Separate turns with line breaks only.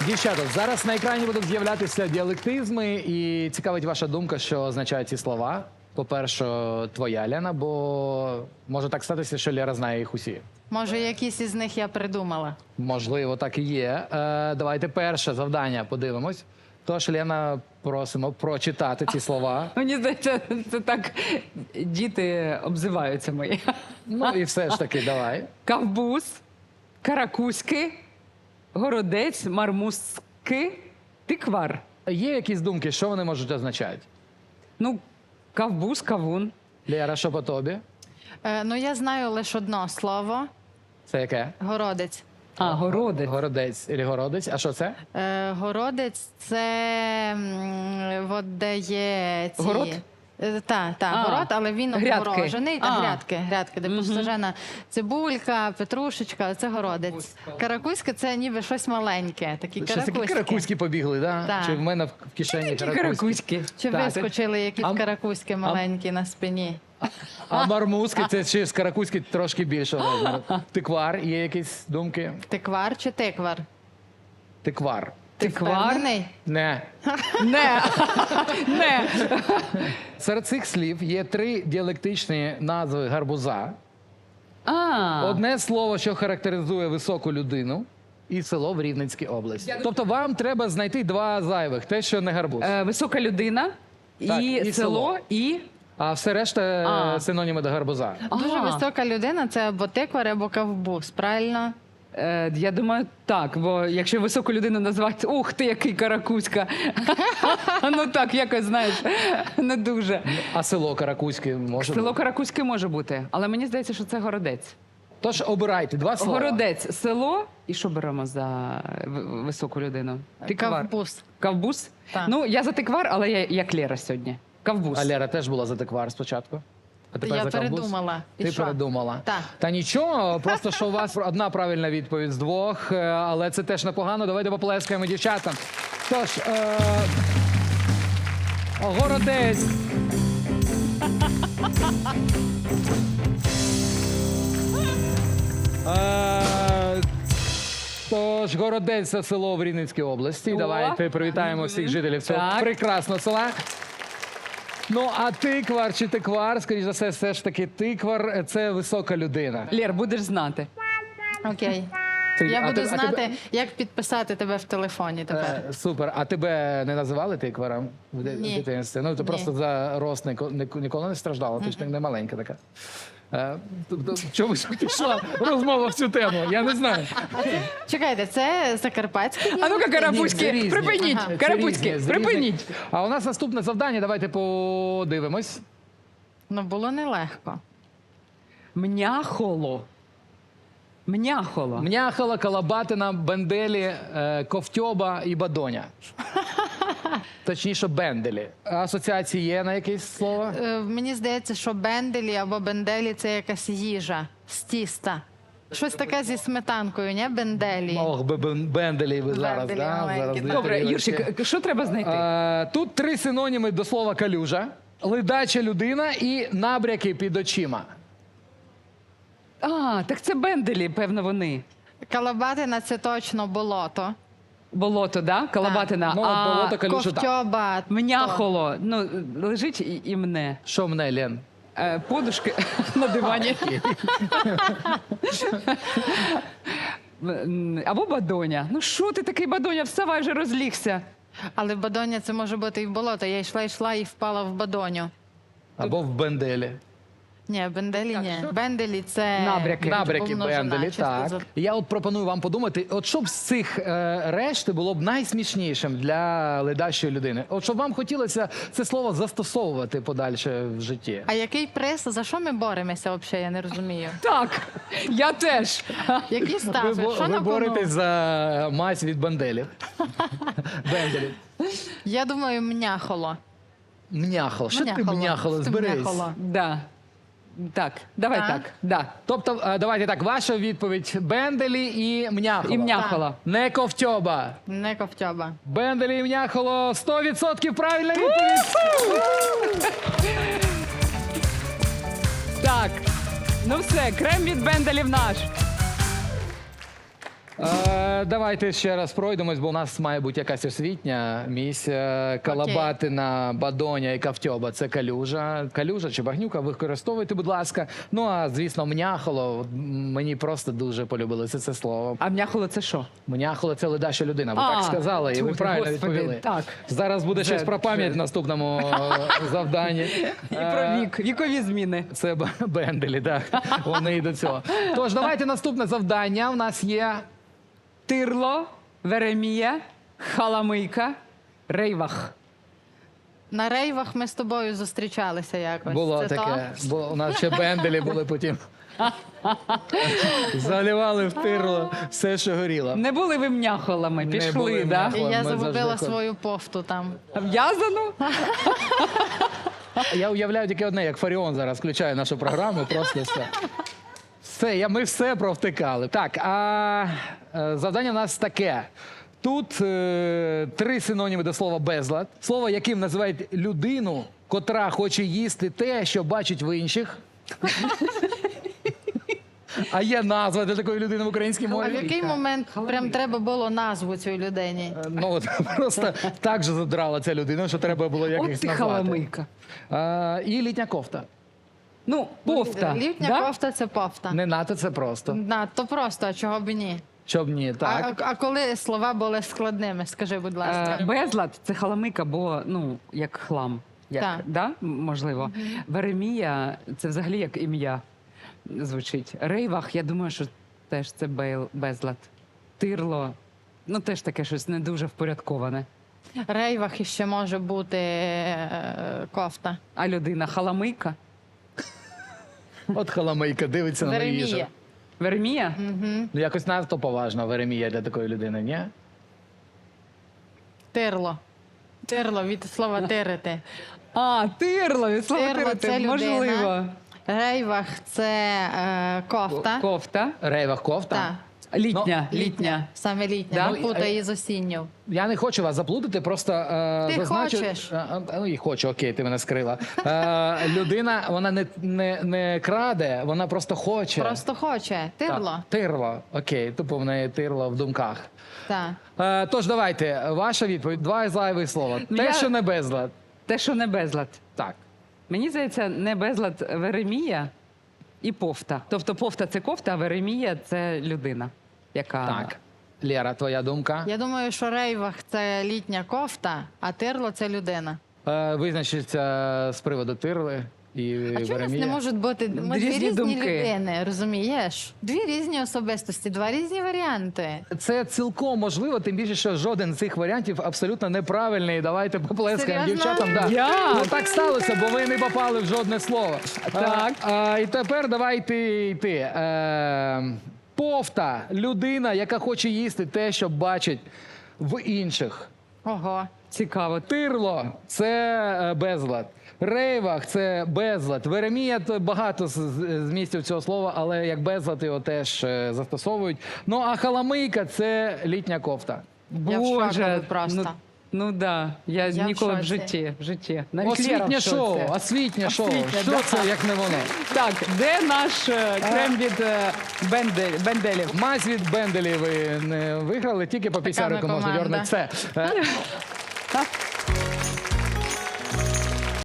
Дівчата, зараз на екрані будуть з'являтися діалектизми, і цікавить ваша думка, що означають ці слова. По-перше, твоя, Лена, бо може так статися, що Лера знає їх усі.
Може, якісь із них я придумала.
Можливо, так і є. Давайте перше завдання подивимось. Тож, Лена, просимо прочитати ці слова.
Мені здається, це так діти обзиваються мої.
Ну і все ж таки, давай.
Кавбуз, каракузьки, городець, мармузки, тиквар.
Є якісь думки, що вони можуть означати?
Ну, кавбуз, кавун.
Лера, що по тобі?
Ну, я знаю лише одне слово.
Це яке?
Городець.
А, городець.
Городець і городець. А що це?
Городець – це от де є ці...
Город?
Так,
А,
город, але він
грядки.
обгорожений.
А.
Грядки, де посаджена цибулька, петрушечка, це городець. Каракузька – це ніби щось маленьке, такі
Щось такі
каракузьки.
каракузькі побігли, да?
Так.
Чи в мене в кишені
Які
каракузькі?
каракузьки.
Чи
Так.
вискочили якісь
А-
каракузьки маленькі на спині?
А мармузки – це ще з каракузькі трошки більше розміру. Тиквар, є якісь думки?
Тиквар чи тиквар?
Тиквар.
Тиквар?
Впевнений?
Не.
Не. Не.
Серед цих слів є 3 діалектичні назви гарбуза.
А.
Одне слово, що характеризує високу людину, і село в Рівненській області. Тобто вам треба знайти 2 зайвих, те, що не гарбуз.
Висока людина,
Так,
і
і
село,
село.
і...
А все решта синоніми до гарбуза.
Дуже
А.
висока людина – це або тиквар, або кавбуз, правильно?
Я думаю, так, бо якщо високу людину називати, ух ти, який каракузька. Ну так, якось, знаєш, не дуже.
А село Каракузьке може
Село
бути?
Каракузьке може бути, але мені здається, що це городець.
Тож обирайте 2 слова.
Городець, село, і що беремо за високу людину? Тиквар.
Кавбуз.
Кавбуз?
Так.
Ну, я за тиквар, але я як Лера сьогодні. Кавбуз.
А Лера теж була за тиквар спочатку. А тепер
Я
за кавбуз?
передумала. І
Ти
що?
передумала?
Так.
Та нічого, просто що у вас одна правильна відповідь з 2, але це теж непогано. Давайте поплескаємо дівчатам. Тож, городець. Тож, городець – це село в Рівненській області.
О.
Давайте привітаємо всіх жителів цього
Так.
прекрасного села. Ну, а тиквар чи тиквар, скоріш за все ж таки тиквар – це висока людина.
Лєр, будеш знати.
Окей. Я буду знати, як підписати тебе в телефоні тепер.
Супер. А тебе не називали тикваром в
Ні.
дитинстві? Ну, ти
Ні.
просто за рост ніколи не страждала, ти ж не маленька така. Тобто, чомусь пішла розмова в цю тему, я не знаю.
Чекайте, це закарпатський?
А ну-ка,
Ні,
карапузьки,
це різні.
припиніть,
Ага.
Це
карапузьки,
різні, з
припиніть.
різних. А у нас наступне завдання, давайте подивимось.
Ну, було нелегко.
Мняхоло. Мняхоло.
Мняхала, Калабатина, Бенделі, Ковтьоба і Бадоня. Точніше, Бенделі. Асоціації є на якесь слово?
Мені здається, що бенделі або бенделі – це якась їжа з тіста. Щось таке зі сметанкою, ні? Бенделі.
Ох, Бенделі ви зараз,
Бенделі
да?
маленькі,
Зараз
так.
дві
Добре,
тарілочки.
Юрчик, що треба знайти?
Тут 3 синоніми до слова калюжа, ледача людина і набряки під очима.
А, так це бенделі, певно, вони.
Калабатина – це точно болото.
Болото, да? Калабатина.
Ну,
А
болото, калюжа, так.
Ковтьоба.
мняхоло, ну, лежить і мне.
Що мене, Лен?
Подушки на дивані. Або бадоня. Ну що ти такий бадоня? Вставай вже, розлігся.
Але бадоня – це може бути і в болото. Я йшла і впала в бадоню.
Або в Бенделі.
Ні, бенделі ні. Бенделі – це...
Набряки.
Набряки
помножена,
Бенделі,
чисто
так.
за-
Я от пропоную вам подумати, от що б з цих решти було б найсмішнішим для ледачої людини? От щоб вам хотілося це слово застосовувати подальше в житті.
А який приз? За що ми боремося взагалі? Я не розумію.
Так, я теж.
Які ставки? Що
Ви
на кону?
боретесь за мазь від Бенделів. Бенделів.
Я думаю, мняхоло.
Мняхало. Що ти мняхало?
Що
Зберись.
мняхоло?
Да. Так, давай
Так.
так. Да.
Тобто, давайте так, ваша відповідь Бенделі і Мняхоло.
І мняхоло.
Не Ковтьоба.
Не ковтьоба.
Бенделі і Мняхоло 100% правильна відповідь.
Так. Ну все, крем від бенделів наш.
Давайте ще раз пройдемось, бо у нас має бути якась освітня місія. Калабатина, бадоня і кавтьоба – це калюжа. Калюжа чи багнюка використовуйте, будь ласка. Ну, а, звісно, мняхоло. Мені просто дуже полюбилося це слово.
А м'яхоло це що?
Мняхоло – це ледаща людина. Ви
А,
так сказали, і ви
тьфу,
правильно
Господи,
відповіли.
так.
Зараз буде щось про пам'ять в наступному завданні.
І про вік, вікові зміни.
Це Бенделі, так. Вони і до цього. Тож, давайте наступне завдання. У нас є...
Тирло, Веремія, Халамийка, Рейвах.
На рейвах ми з тобою зустрічалися якось.
Було
Це
таке.
то?
Бо у нас ще Бенделі були потім. Заливали в тирло все, що горіло.
Не були ви м'яхолами,
Не
пішли,
були
да?
І
Ми
я
завжди
загубила
ходимо.
свою пофту там.
В'язану?
Я уявляю тільки одне, як Фаріон зараз включає нашу програму, просто все. Все, ми все провтикали. Так, завдання в нас таке. Тут 3 синоніми до слова безлад. Слово, яким називають людину, котра хоче їсти те, що бачить в інших. А є назва для такої людини в українській
А в
мові?
який момент прям треба було назву цій людині?
Ну, от просто так же задрала ця людина, що треба було якось
От ти
назвати.
Халамийка.
І літня кофта.
Ну, пофта.
Літня
да?
кофта це пофта.
Не нато, це просто.
Надто просто, а чого б і ні?
Щоб ні, так.
А коли слова були складними, скажи, будь ласка.
Безлад це халамика, бо ну як хлам. Як,
Так.
да? Можливо. Веремія це взагалі як ім'я звучить. Рейвах, я думаю, що теж це безлад. Тирло, ну теж таке щось не дуже впорядковане.
Рейвах іще може бути кофта.
А людина халамийка?
От халамийка дивиться на їжу.
Веремія.
Веремія?
Ну, якось надто поважно Веремія для такої людини, ні?
Тирло. Тирло від слова тирити.
А, тирло, від слова
Тирло
тирити,
це людина.
можливо.
Рейвах це кофта.
Кофта.
Рейвах кофта?
Так.
Літня, літня.
Саме літня.
Да?
Не путай її з осінню.
Я не хочу вас заплутати, просто
Ти
зазначу...
хочеш.
Ну, і хочу, окей, ти мене скрила. Людина, вона не краде, вона просто хоче.
Просто хоче. Тирло.
Так, тирло, окей, тупо в неї тирло в думках.
Так.
Тож, давайте, ваша відповідь, 2 зайві слова. Те,
Я-
що не безлад.
Те, що не безлад.
Так.
Мені здається, не безлад Веремія і пофта. Тобто пофта це кофта, а Веремія це людина, яка.
Так. Лєра, твоя думка?
Я думаю, що рейвах це літня кофта, а тирло це людина.
Визначиться з приводу тирли і
А чому у нас
Веремія.
не можуть бути ми дві
Різні
різні
думки.
людини, розумієш? 2 різні особистості, 2 різні варіанти.
Це цілком можливо, тим більше, що жоден з цих варіантів абсолютно неправильний. Давайте поплескаємо
Серйозно?
дівчатам. Да.
Як?
Ну так сталося, бо ви не попали в жодне слово.
Так.
І тепер давайте йти. Пофта людина, яка хоче їсти те, що бачить в інших.
Ого.
Цікаво.
Тирло це безлад. Рейвах це безлад. Веремія то багато змістів цього слова, але як безлад його теж застосовують. Ну а халамийка це літня кофта.
Я в шоку
Боже,
просто.
Ну да, я
Я в
ніколи в
шоці.
житті. Навіть Лєра в
Освітнє
шоці.
шоу, освітнє шоу.
Освітнє,
Що
да.
це, як не воно?
Так, де наш крем від Бенделів?
Мазь від Бенделі ви не виграли, тільки по пісярику
ми
можна
команда.
дьорнути. Все.